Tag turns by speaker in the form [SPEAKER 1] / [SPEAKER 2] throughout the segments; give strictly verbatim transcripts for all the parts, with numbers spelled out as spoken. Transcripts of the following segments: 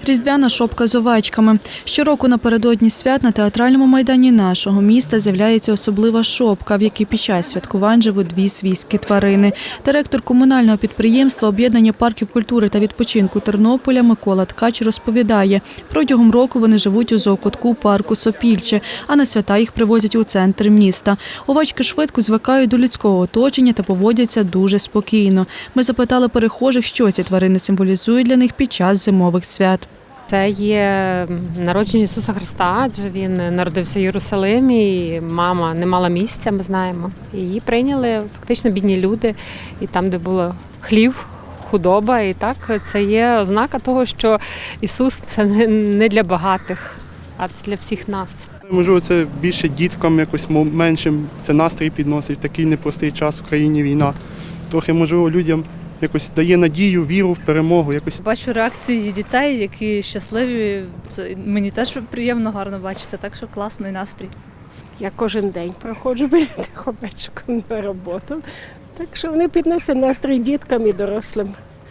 [SPEAKER 1] Різдвяна шопка з овечками. Щороку напередодні свят на театральному майдані нашого міста з'являється особлива шопка, в якій під час святкувань живуть дві свійські тварини. Директор комунального підприємства «Об'єднання парків культури та відпочинку Тернополя» Микола Ткач розповідає, протягом року вони живуть у зоокутку парку Сопільче, а на свята їх привозять у центр міста. Овечки швидко звикають до людського оточення та поводяться дуже спокійно. Ми запитали перехожих, що ці тварини символізують для них під час зимових свят.
[SPEAKER 2] Це є народження Ісуса Христа, адже Він народився в Єрусалимі, і мама не мала місця, ми знаємо. Її прийняли фактично бідні люди, і там, де було хлів, худоба, і так це є ознака того, що Ісус – це не для багатих, а це для всіх нас.
[SPEAKER 3] Можливо, це більше діткам, якось меншим, це настрій підносить в такий непростий час, в країні війна. Трохи, можливо, людям якось дає надію, віру в перемогу. Якось.
[SPEAKER 4] Бачу реакції дітей, які щасливі. Це мені теж приємно, гарно бачити, так що класний настрій.
[SPEAKER 5] Я кожен день проходжу біля тих овечок на роботу, так що вони підносять настрій діткам і дорослим.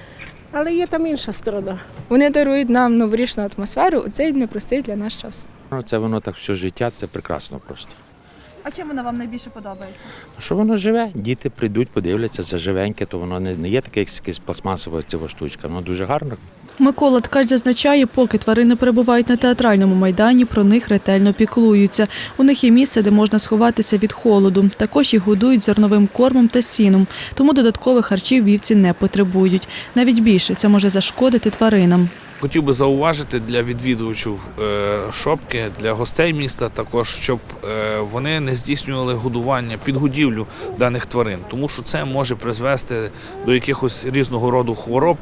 [SPEAKER 5] Але є там інша сторона.
[SPEAKER 6] Вони дарують нам новорічну атмосферу у цей непростий для нас час.
[SPEAKER 7] Це воно так все життя, це прекрасно просто.
[SPEAKER 1] А чим вона вам найбільше подобається?
[SPEAKER 7] Що воно живе? Діти прийдуть, подивляться, це живеньке, то воно не є таке якась пластмасова цього штучка, воно дуже гарно.
[SPEAKER 1] Микола Ткач зазначає, поки тварини перебувають на театральному майдані, про них ретельно піклуються. У них є місце, де можна сховатися від холоду. Також їх годують зерновим кормом та сіном, тому додаткових харчів вівці не потребують. Навіть більше це може зашкодити тваринам.
[SPEAKER 8] Хотів би зауважити для відвідувачів шопки, для гостей міста також, щоб вони не здійснювали годування, підгодівлю даних тварин, тому що це може призвести до якихось різного роду хвороб,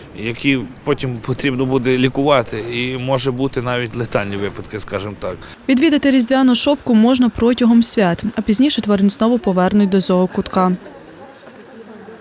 [SPEAKER 8] які потім потрібно буде лікувати, і може бути навіть летальні випадки, скажімо так.
[SPEAKER 1] Відвідати різдвяну шопку можна протягом свят, а пізніше тварин знову повернуть до зоокутка.